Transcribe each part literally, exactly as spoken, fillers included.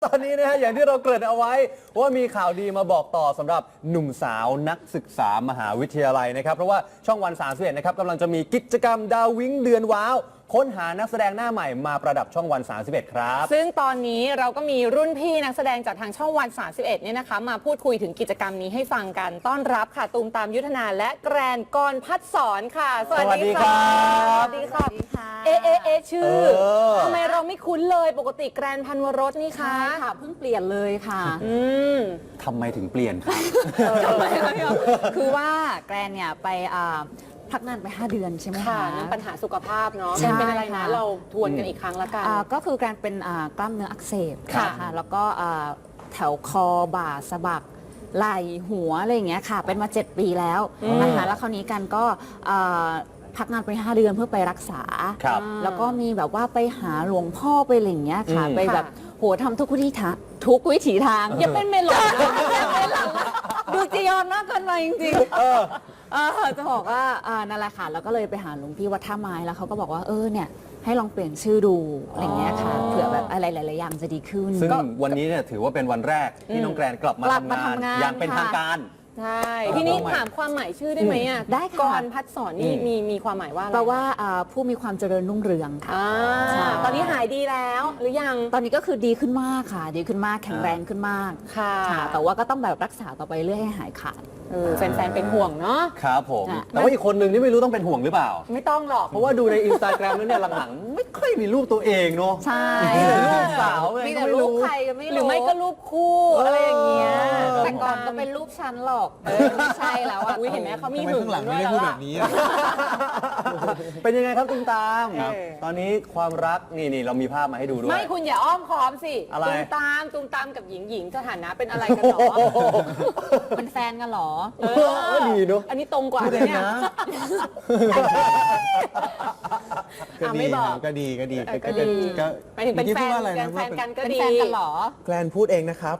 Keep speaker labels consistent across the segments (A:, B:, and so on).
A: ตอนนี้นะฮะอย่างที่เราเกริ่นเอาไว้ว่ามีข่าวดีมาบอกต่อสำหรับหนุ่มสาวนักศึกษามหาวิทยาลัยนะครับเพราะว่าช่องวันสามสิบเอ็ดนะครับกำลังจะมีกิจกรรมดาววิ้งเดือนว้าวค้นหานักแสดงหน้าใหม่มาประดับช่องวันสามสิบเอ็ดครับ
B: ซึ่งตอนนี้เราก็มีรุ่นพี่นักแสดงจากทางช่องวันสามสิบเอ็ดเนี่ยนะคะมาพูดคุยถึงกิจกรรมนี้ให้ฟังกันต้อนรับค่ะตูมตามยุทธนาและแกรนกรพัฒสอนค่ะสวัสดีค่ะสวัสดีค่ะเอเอเอชื่อทำไมเราไม่คุ้นเลยปกติแกรนพันวรสนี่คะ
C: ค่ะเพิ่งเปลี่ยนเลยค่ะ
B: อืม
A: ทำไมถึงเปลี่ยนครับ
C: คือว่าแกรนเนี่ยไปพักงานไปห้าเดือนใช่ไหมคะ
B: เรื่องปัญหาสุขภาพเนาะ
C: ใช่
B: เป็นอะไรนะเราทวนกันอีกครั้งละกัน
C: ก็คือการเป็นกล้ามเนื้ออักเสบค่ะแล้วก็แถวคอบ่าสะบักไหล่หัวอะไรอย่างเงี้ยค่ะเป็นมาเจ็ดปีแล้วนะคะแล้วคราวนี้กันก็พักงานไปห้าเดือนเพื่อไปรักษาแล้วก็มีแบบว่าไปหาหลวงพ่อไปอะไรอย่างเงี้ยค่ะไปแบบโหทำทุกวิธีทางทุกวิถีทาง
B: อย่าเป็นเมลอน
C: ดูจียอนมากเกินไปจริงๆจะบอกว่านั่นแหละค่ะแล้วก็เลยไปหาหลวงพี่วัดท่าไม้แล้วเขาก็บอกว่าเออเนี่ยให้ลองเปลี่ยนชื่อดูอะไรเงี้ยค่ะเผื่อแบบอะไรหลายๆอย่างจะดีขึ้น
A: ซึ่งวันนี้เนี่ยถือว่าเป็นวันแรกที่น้องแกรนกลับมาทำงานอย่างเป็นทางการ
B: ใช่ทีนี้ถามความหมายชื่อได้ไหมอ่ะ
C: ได้ค่ะ
B: กรพัฒสอนนี่มีมีความหมายว่าอะไร
C: แปลว่าผู้มีความเจริญรุ่งเรืองค่ะ
B: ตอนนี้หายดีแล้วหรือยัง
C: ตอนนี้ก็คือดีขึ้นมากค่ะดีขึ้นมากแข็งแรงขึ้นมาก
B: ค่ะ
C: แต่ว่าก็ต้องแบบรักษาต่อไปเรื่อยให้หายขาด
B: แฟนๆเป็นห่วงเนาะ
A: ครับผมแต่ว่าอีกคนหนึ่งที่ไม่รู้ต้องเป็นห่วงหรือเปล่า
B: ไม่ต้องหรอก
A: เพราะว่าดูในอินสตาแกรมแล้วเนี่ยหลังๆไม่ค่อยมีรูปตัวเองเนาะ
C: ใช่
A: รูปสาว
C: มีแต่รูปใครก็ไม่รู้
B: หรือไม่ก็รูปคู่อะไรอย่างเงี้ย
C: แต่ก่อนก็เป็นรูปฉันหรอกไม่ใช่แล้วอ่ะ
B: เห็นไหมเขามี
D: หึงข้างหลังไม่ได้พูดแบบนี้
A: เป็นยังไงครับตุ้มตามตอนนี้ความรักนี่นี่เรามีภาพมาให้ดูด้วย
B: ไม่คุณอย่าอ้อมค้อมสิตุ้มตามตุ้มตามกับหญิงหญิงสถานะเป็นอะไรกันหรอ
C: เป็นแฟนกันหรอ
A: เออดีเนาะ
B: อันนี้ตรงกว่าเลยเนี่ย
D: ไม่บอกก็ดีก็ดี
B: ก็ดีหมายถึงเป็นแฟนกันแฟนกันก็ดีเป็นแฟนกันหรอ
D: แกรนพูดเองนะครับ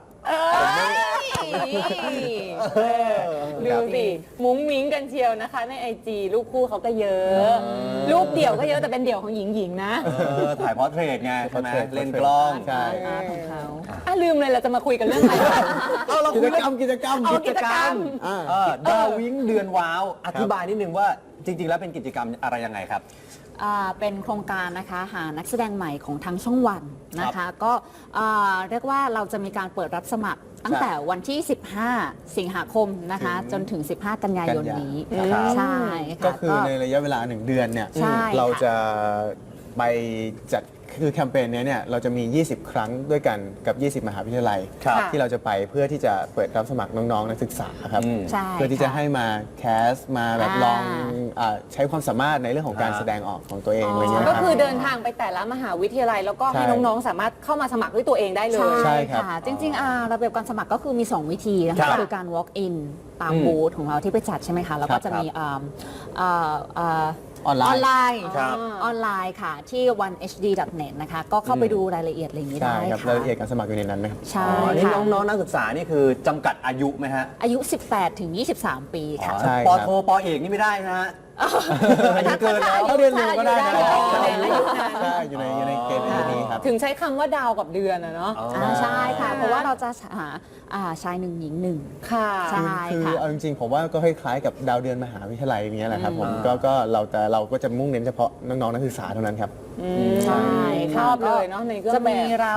B: ดูสิมุ้งมิ้งกันเชียวนะคะในไอจีรูปคู่เขาก็เยอะรูปเดี่ยวก็เยอะแต่เป็นเดี่ยวของหญิงหญิงนะ
A: ถ่ายพอร์เทรตไงใช่ไหมเล่นกล้อง
C: ใช่ของเขา
B: อ่ะลืมเลยเราจะมาคุยกันเรื่องอะไร
A: เอาเรา
D: กิจกรรมกิจกรรม
B: กิจกรรม
A: ดาววิ้งเดือนว้าวอธิบายนิดนึงว่าจริงๆแล้วเป็นกิจกรรมอะไรยังไงครับ
C: เป็นโครงการนะคะหานักแสดงใหม่ของทั้งช่องวันนะคะก็เรียกว่าเราจะมีการเปิดรับสมัครตั้งแต่วันที่สิบห้าสิงหาคมนะคะจนถึงสิบห้ากันยายนนี้ใช่
D: ก็คือในระยะเวลาหนึ่งเดือนเนี่ยเราจะไปจัดคือแคมเปญนี้เนี่ยเราจะมียี่สิบครั้งด้วยกันกับยี่สิบมหาวิทยาลัยที่เราจะไปเพื่อที่จะเปิดรับสมัครน้องๆนักศึกษาครับเพื่อที่จะให้มาแคสมาแบบลองใช้ความสามารถในเรื่องของการแสดงออกของตัวเองอะไรเงี้ย
B: ก็คือเดินทางไปแต่ละมหาวิทยาลัยแล้วก็ให้น้องๆสามารถเข้ามาสมัครด้วยตัวเองได้เลย
C: ใช่ค่ะจริงๆระเบียบการสมัครก็คือมีสองวิธีนะคะคือการ walk in ตามบูธของเราที่ไปจัดใช่ไหมคะแล้วก็จะมี
D: ออนไลน์
C: ออนไลน์ออนไลน์ค่ะที่ วัน เอช ดี ดอท เน็ต นะคะก็เข้าไปดูรายละเอียดอะไรอย่างนี้ได้ค่ะ
D: รายละเอียดการสมัครอยู่ในนั้นนะครับ
C: ใช่
A: นี่น้องๆนักศึกษานี่คือจำกัดอายุไหมฮะ
C: อายุ สิบแปดถึงยี่สิบสาม ปีค่ะ
A: ป.โทป.เอกนี่ไม่ได้นะฮะอายุเกินแล้ว
D: เรียนเร็วก็ได้นะ
C: ใช่
D: อยู่ในอยู่ในเกณฑ์นี้ครับ
B: ถึงใช้คำว่าดาวกับเดือนอะเนาะ
C: ใช่ค่ะเพราะว่าเราจะหาชายหนึ่งหญิงหนึ่ง
B: ค่ะ
C: ใช่
D: คือเอาจริงๆผมว่าก็คล้ายๆกับดาวเดือนมหาวิทยาลัยอย่างเงี้ยแหละครับผมก็ก็เราแต่เราก็จะมุ่งเน้นเฉพาะน้องๆนักศึกษาเท่านั้นครับ
C: ใช่
B: ชอบเลยเนาะในก็
C: จะมีเรา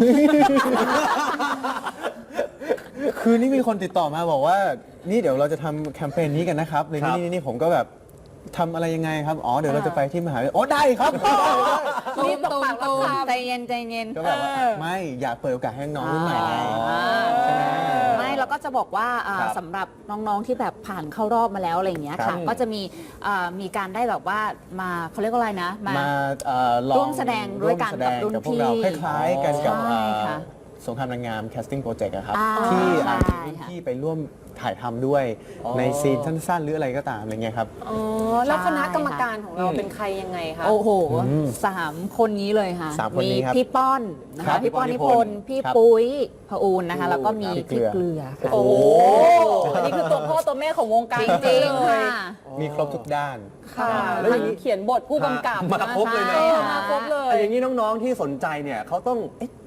D: คือนี่มีคนติดต่อมาบอกว่านี่เดี๋ยวเราจะทำแคมเปญนี้กันนะครับเลยนี่นี่ผมก็แบบทำอะไรยังไงครับอ๋อเดี๋ยวเราจะไปที่มหาวิทยาลัยโอ้ได้ครับ
C: รีบตกปากรับคำใจเย็นใจเย็น
D: ก็แบบไม่อยากเปิดโอกาสให้น้องรุ่นใหม่ไงใช่ไหม
C: ไม่เราก็จะบอกว่าสำหรับน้องๆที่แบบผ่านเข้ารอบมาแล้วอะไรอย่างเงี้ยค่ะก็จะมีมีการได้แบบว่ามาเขาเรียกว่าอะไรนะ
D: มา
C: ร่วมแสดงด้วยกันกับรุ่นพี่
D: คล้ายๆกันกับสงครามนางงาม casting project ครับที่รุ่นพี่ไปร่วมถ่ายทำด้วยในซีนสั้นๆหรืออะไรก็ตามอะไรเงี้ยครับ
B: อ๋อแล้วคณะกรรมการของเราเป็นใครยังไงคะ
C: โอ้โหสามคนนี้เลยค่ะมีพี่ป้อนนะคะพี่ป้อนนิพนธ์พี่ปุ้ยพอูนนะคะแล้วก็มีพี่เกลือ
B: โอ้นี่คือตัวพ่อตัวแม่ของวงการ
C: จริงๆค่ะ
D: มีครบทุกด้าน
B: ค่ะแล้วอย่างนี้เขียนบทผู้กำกับ
A: มาครบเลยนะ
B: มาครบเลย
A: อย่างนี้น้องๆที่สนใจเนี่ยเขาต้อง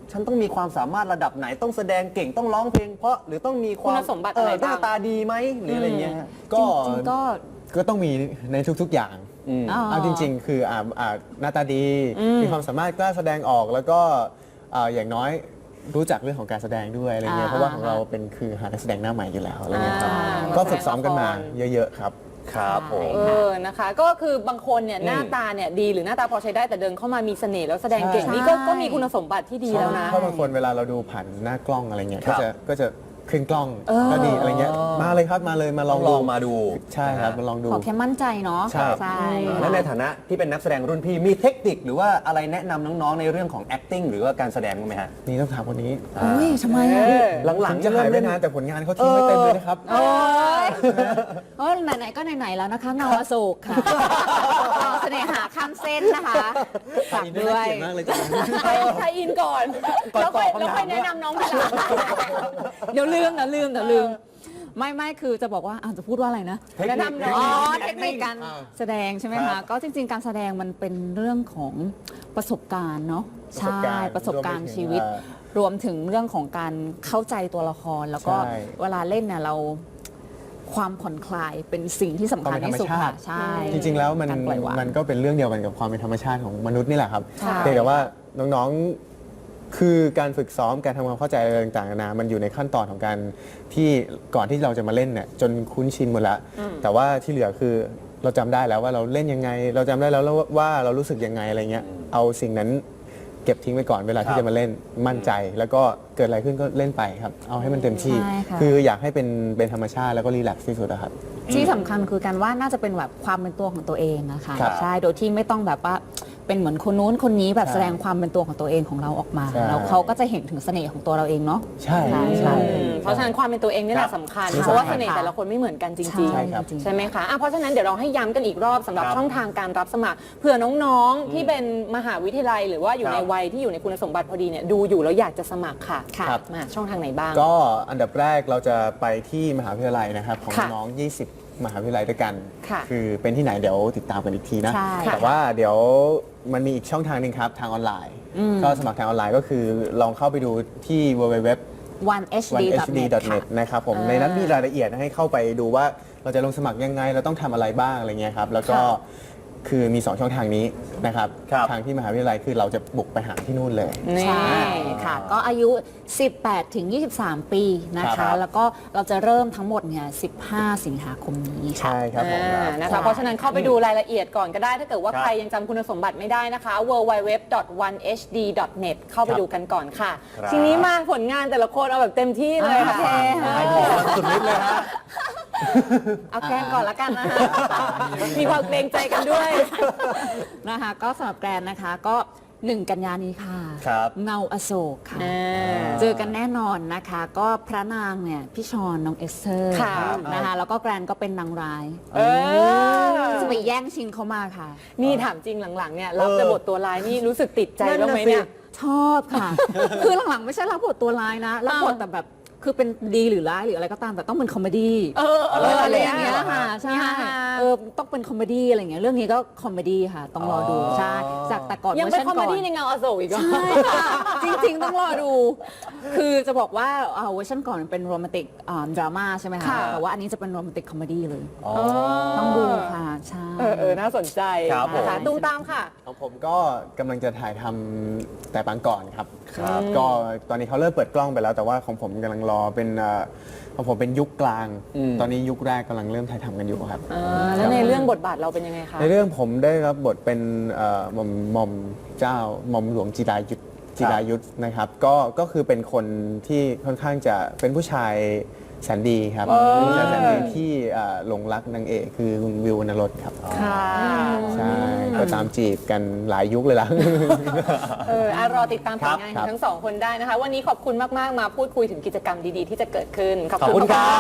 A: ฉันต้องมีความสามารถระดับไหนต้องแสดงเก่งต้องร้องเพลงเพราะหรือต้องมีความ
B: คุณสมบัติ
A: เอ
B: อะไร
A: อห
B: บ้าง
A: น้าตาดีไหมหรืออะไรเงี้ยฮะ
D: ก็
C: จริงๆก็
D: ก็ต้องมีในทุกๆอย่าง
A: อืม
C: อ๋อ
D: เอาจริง ๆ คืออ่าอ่าหน้าตาดี มีความสามารถกล้าแสดงออกแล้วก็อ่าอย่างน้อยรู้จักเรื่องของการแสดงด้วยอะไรเงี้ย
C: อ่า
D: เพราะว่าของเราเป็นคือหานักแสดงหน้าใหม่อยู่แล้วอะไรเงี้ยครับ
B: อ่า
D: ก็ฝึกซ้อมกันมาเยอะๆครับ
A: ครับผม
B: เออนะคะ ก็คือบางคนเนี่ยหน้าตาเนี่ยดีหรือหน้าตาพอใช้ได้แต่เดินเข้ามามีเสน่ห์แล้วแสดงเก่ง
D: ใช่
B: นี่ก็ก็มีคุณสมบัติที่ดีแล้วนะ
D: เพราะบางคนเวลาเราดูผ่านหน้ากล้องอะไรเงี้ย
A: ครั
D: ก็
A: บ
D: จะก็จะขึ้นกล้อง
B: เออ
D: ก็ดีอะไรเงี้ยมาเลยครับมาเลยมาล
A: ล
D: อ
A: อง ง
D: ดู
A: ลองมาดู
D: ใช่ครับมาลองดู
C: ขอแค่มั่นใจเนาะ
D: ใช่
C: ใช่
A: และในฐานะที่เป็นนักแสดงรุ่นพี่มีเทคนิคหรือว่าอะไรแนะนำน้องๆในเรื่องของ acting หรือว่าการแสดงบ้างไหมฮะ
D: นี่ต้องถามคนนี้
C: โอ้ยทำไมอ่ะ
B: เออ
A: หลัง
D: ถึง
A: ๆ
D: จะหายไป
A: เริ่ม
D: นานแต่ผลงานเขาทิ้งไว้เต็มเลยนะครับ
C: โอ้ยเพราะไหนๆก็ไหนๆแล้วนะคะเงาอโศกค่ะเงาเสน่หาข้ามเส้นนะคะฝากด้วย
D: เก่งมากเลยจ้ะ
B: ใครใครอินก่อน
A: ก่อน
B: แล้วค่อย
A: ตอบคำถาม
B: แล้วค่อยแนะนำน้องทีหลัง
C: เดี๋ยวลืมเดี๋ยวลืมเดี๋ยวลืม ไม่ไม่คือจะบอกว่าอ่ะจะพูดว่าอะไรนะ
A: เทคนิค
B: แนะนำน้อง
C: อ๋อเทคนิคการ
D: อ่า
C: แสดงใช่ไหม
A: ครั
C: คะ
A: บ
C: ก็จริง ๆ การแสดงมันเป็นเรื่องของประสบการณ์เนาะ
D: ประสบ
C: ใช่
D: การณ์
C: ประสบการณ์
D: รวมไปถึง
C: ชีวิต
D: เอ่อ
C: รวมถึงเรื่องของการเข้าใจตัวละคร แล้วก็
D: ใช่
C: เวลาเล่นเนี่ยเราความผ่อนคลายเป็นสิ่งที่สำคัญที่สุดค่ะใช่
D: จริงๆ แล้วมัน
C: การปล่อยวาง
D: มันก็เป็นเรื่องเดียวกันกับความเป็นธรรมชาติของมนุษย์นี่แหละครับ
C: ใช่
D: เพียงแต่ว่าน้องๆ คือการฝึกซ้อมการทำความเข้าใจอะไรต่างๆนานามันอยู่ในขั้นตอนของการที่ก่อนที่เราจะมาเล่นเนี่ยจนคุ้นชินหมดแล้ว แต่ว่าที่เหลือคือเราจำได้แล้วว่าเราเล่นยังไง เราจำได้แล้วว่าเรารู้สึกยังไงอะไรเงี้ยเอาสิ่งนั้นเก็บทิ้งไว้ก่อนเวลา
A: ครั
D: ที่
A: บ
D: จะมาเล่นมั่นใจ แล้วก็เกิดอะไรขึ้นก็เล่นไปครับเอาให้มันเต็มที่
C: ใช่ค่ะ
D: คืออยากให้เป็นเป็นธรรมชาติแล้วก็รีแลกซ์ที่สุดอะครับ
C: ที่สำคัญคือการว่าน่าจะเป็นแบบความเป็นตัวของตัวเองนะคะ
D: ครับ
C: ใช่โดยที่ไม่ต้องแบบว่าเป็นเหมือนคนนู้นคนนี้แบบ
D: ใช่
C: แสดงความเป็นตัวของตัวเองของเราออกมา
D: ใช่
C: แล้วเขาก็จะเห็นถึงเสน่ห์ของตัวเราเองเนาะ
D: ใช่
C: ใช่ใช่
B: อืมเพราะฉะนั้นความเป็นตัวเองนี่แหละสำคัญ
D: ใช่
B: เพราะว่าเสน่ห์แต่ละคนไม่เหมือนกันจริง
D: ใช่ครับ
B: ๆ ใช่ไหมคะอ่ะเพราะฉะนั้นเดี๋ยวเราให้ย้ำกันอีกรอบสำหรับ
A: ครับ
B: ช่องทางการรับสมัครเผื่อน้องๆ ที่เป็นมหาวิทยาลัย หรือว่าอยู่
A: ครับ
B: ในวัยที่อยู่ในคุณสมบัติพอดีเนี่ยดูอยู่แล้วอยากจะสมัครค่ะ
C: ครับ
B: มาช่องทางไหนบ้าง
D: ก็อันดับแรกเราจะไปที่มหาวิทยาลัยนะครับของ
B: ค่ะ
D: น้อง ยี่สิบ มหาวิทยาลัยด้วยกัน
B: ค่ะ
D: อเป็นที่ไหนเดี๋ยวติดตามกันอีกทีนะ
C: ใช่
D: แต่ว่าเดี๋ยวมันมีอีกช่องทางหนึ่งครับทางออนไลน์ ก็สมัครทางออนไลน์ก็คือลองเข้าไปดูที่ ดับเบิลยู ดับเบิลยู ดับเบิลยู
C: วัน เอช ดี ดอท
D: วัน เอช ดี
C: เน็ต
D: ดอท เน็ต นะครับผม
B: อ่า
D: ในนั้นมีรายละเอียดให้เข้าไปดูว่าเราจะลงสมัครยังไงเราต้องทำอะไรบ้างอะไรเงี้ยครับแล้วก็
B: ค่ะ
D: คือมี สอง ช่องทางนี้นะครับ
A: ครับ
D: ทางที่มหาวิทยาลัยคือเราจะบุกไปหาที่นู่นเลย
B: นี่
C: ใช่ค่ะ ก็อายุ สิบแปดถึงยี่สิบสาม ปีนะ
D: ครั
C: คะ
D: บ
C: แล้วก็เราจะเริ่มทั้งหมดเนี่ยสิบห้า สิงหาคมนี้ค่ะ
D: ใช่ครับผม
B: อ่านะ
C: ใช่
B: คะเพราะฉะนั้นเข้าไปดูรายละเอียดก่อนก็ได้ถ้าเกิดว่า
A: ครับ
B: ใครยังจำคุณสมบัติไม่ได้นะคะ ดับเบิลยู ดับเบิลยู ดับเบิลยู ดอท วัน เอช ดี ดอท เน็ต เข้าไป
D: ครับ
B: ดูกันก่อนค่ะ
A: ครับ
B: ทีนี้มาผลงานแต่ละคนเอาแบบเต็มที่เลยค่ะ
C: โอเค
A: ไอ้บอกมันสุดฤทธิ์เลยฮะ
B: เอาแกล้งก่อนละกันนะคะมีความเกรงใจกันด้วย
C: นะคะก็สำหรับแกรนนะคะก็หนึ่งกันยานี้ค่ะ
A: ครับ
C: เงาอโศกค่ะ
B: อ่า
C: เจอกันแน่นอนนะคะ ก็พระนางเนี่ยพี่ชอนน้องเอสเตอร์
B: ค่ะ
C: นะคะแล้วก็แกรนก็เป็นนางร้าย
B: เออ
C: จะไปแย่งชิงเขามาค่ะ
B: นี่ถามจริงหลังๆเนี่ยรับ
A: เออ
B: แต่บทตัวร้ายนี่รู้สึกติดใจ
A: นั่น
B: บ้าง
A: น่ะ
B: ไหมเนี่ย
A: สิ
C: ชอบค่ะ คือหลังๆไม่ใช่รับบทตัวร้ายนะรับบทแต่แบบคือเป็นดีหรือร้ายหรืออะไรก็ตามแต่ต้องเป็นคอมเมดี้
B: เออเอ
C: เอ
B: อ
C: อ
B: อะ
C: อะไร ไร
B: อ
C: อย่าง
B: ย่างเงี้
C: เงี้
B: ย
C: ยค่ะใช่
B: มีฮา
C: เออต้องเป็นคอมเมดี้อะไรอย่างเงี้ยเรื่องนี้ก็คอมเมดี้ค่ะ ต้องรอดู
A: อ๋อ
C: ใช่จากแต่ก่อน
B: ยัง
C: เวอ
B: เป็น
C: ร์ชัน
B: คอม
C: ก่
B: เม
C: อน
B: ดี้ในเงาอโศกอีกเหรอ
C: ใช่ค่ะจริงๆต้องรอดู คือจะบอกว่าเอ่อเวอร์ชันก่อนมันเป็นโรแมนติกดราม่าใช่ไหมคะ
B: ค่ะ
C: แต่ว่าอันนี้จะเป็นโรแมนติกคอมเมดี้เลย
A: อ๋อ
C: ต้องดูค่ะใช่
B: เออเออน่าสนใจ
A: ครับผม
B: นะคะตุ้มตามค่ะ
D: ของผมก็กำลังจะถ่ายทำแต่ปางก่อนครับ
A: ครับ
D: ก็ตอนนี้เขาเริ่มเปิดกล้องไปแล้ว แต่ว่าของผมกำลังรอเป็นเอ่อของผมเป็นยุคกลาง
A: อืม
D: ตอนนี้ยุคแรกกำลังเริ่มถ่ายทำกันอยู่ครับ
B: อ่าแล้วในเรื่องบทบาทเราเป็นยังไงคะ
D: ในเรื่องผมได้รับบทเป็นเอ่อหม่อมหม่อมเจ้าหม่อมหลวงจิรายุทธจิรายุทธนะครับก็ก็คือเป็นคนที่ค่อนข้างจะเป็นผู้ชายแสนดีครับเป็นผู้ชายแสนดีที่เอ่อหลงรักนางเอกคือคุณวิววรรณรสครับ
B: ค่ะ
D: ใช่ก็ตามจีบกันหลายยุคเลยล่ะ
B: เอออ่ะรอติดตามผลงาน
D: ค
B: ข
D: รั
B: อง
D: บ
B: ทั้งสองคนได้นะคะ วันนี้ขอบคุณมาก ๆ มาพูดคุยถึงกิจกรรมดี ๆ ที่จะเกิดขึ้น
A: ขอบคุณครับ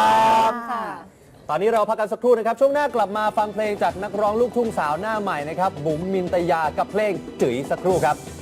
B: ค่ะ
A: ตอนนี้เราพักกันสักครู่นะครับ ช่วงหน้ากลับมาฟังเพลงจากนักร้องลูกทุ่งสาวหน้าใหม่นะครับ บุ๋มมินตยากับเพลงจื๋ยสักครู่ครับ